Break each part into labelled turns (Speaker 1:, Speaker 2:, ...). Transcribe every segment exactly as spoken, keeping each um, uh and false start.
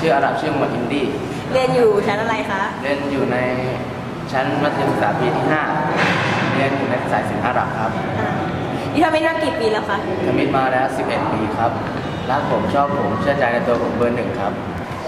Speaker 1: ชื่ออาหรับชื่อหมวดอินดี้
Speaker 2: เรียนอยู่ชั้นอะไรคะ
Speaker 1: เรียนอยู่ในชั้นมัธยมศึกษาปีที่ห้าเรียนอยู่ในสายศิลป์อาหรับครับ
Speaker 2: นี่ทำมิตรมากี่ปีแล้วคะ
Speaker 1: ทำมิตรมาแล้วสิบเอ็ดปีครับรักผมชอบผมเชื่อใจในตัวผมเบอร์หนึ่งครับ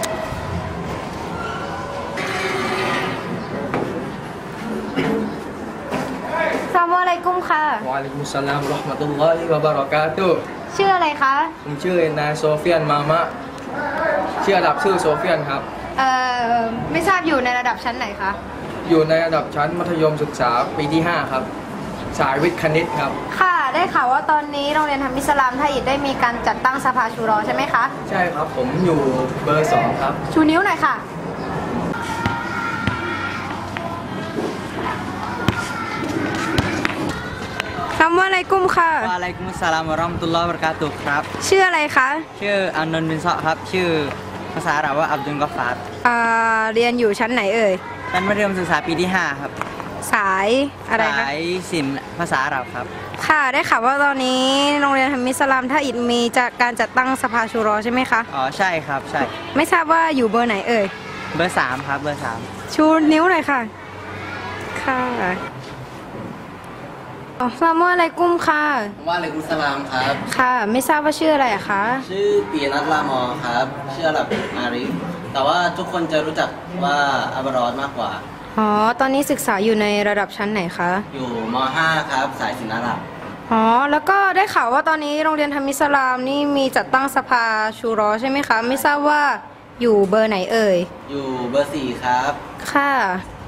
Speaker 3: สลามอะลัยกุมค่ะ
Speaker 4: วะอะลัยกุมสลามเราะห์มะตุลลอฮิวะบะเราะกาตุฮ์
Speaker 3: ชื่ออะไรคะ
Speaker 4: ผมชื่อนายโซเฟียนมามะชื่อระดับชื่อโซเฟียนครับ
Speaker 3: เอ่อไม่ทราบอยู่ในระดับชั้นไหนคะ
Speaker 4: อยู่ในระดับชั้นมัธยมศึกษาปีที่ห้าครับสายวิทย์คณิตครับ
Speaker 3: ค่ะได้ข่าวว่าตอนนี้โรงเรียนธรรมอิสลามไทยอิฐได้มีการจัดตั้งสภาชูรอใช่ไหมคะ
Speaker 4: ใช่ครับผมอยู่เบอร์สองครับ
Speaker 3: ชูนิ้วหน่อยค่ะสลามอะลัยกุมค่ะ
Speaker 5: วะอะลัยกุมุสสลามวะเราะห์มะตุลลอฮิวะบะเราะกาตุฮ์ครับ
Speaker 3: ชื่ออะไรคะ
Speaker 5: ชื่ออานนท์บินซอครับชื่อภาษาอาหรับว่าอับดุลกอฟฟาร์
Speaker 3: อ่าเรียนอยู่ชั้นไหนเอ่ย
Speaker 5: เป็นมัธยมศึกษาปีที่ห้าครับ
Speaker 3: สายอะไรคะ
Speaker 5: สายศิลป์ภาษาอาหรับครับ
Speaker 3: ค่ะได้ข่าวว่าตอนนี้โรงเรียนธรรมอิสลามไทยอิฐมีจากการจัดตั้งสภาชูรอใช่ไหมคะ
Speaker 5: อ๋อใช่ครับใช่
Speaker 3: ไม่ทราบว่าอยู่เบอร์ไหนเอ่ย
Speaker 5: เบอร์สามครับเบอร์สาม
Speaker 3: ชูนิ้วหน่อยค่ะค่ะอัสลามุอะลัยกุมค่ะ
Speaker 6: วะอะลัยกุมสลามครับ
Speaker 3: ค่ะไม่ทราบว่าชื่ออะไรอะคะ
Speaker 6: ชื่อปีนัทลามอครับชื่ออาหรับอาริฟแต่ว่าทุกคนจะรู้จักว่าอับรอดมากกว่า
Speaker 3: อ๋อตอนนี้ศึกษาอยู่ในระดับชั้นไหนคะ
Speaker 6: อยู่ม.ห้า ครับสายศิลป์อาหรับ
Speaker 3: อ๋อแล้วก็ได้ข่าวว่าตอนนี้โรงเรียนธรรมอิสลามนี่มีจัดตั้งสภาชูรอใช่ไหมคะไม่ทราบว่าอยู่เบอร์ไหนเอ่ย
Speaker 6: อยู่เบอร์สี่ครับ
Speaker 3: ค่ะ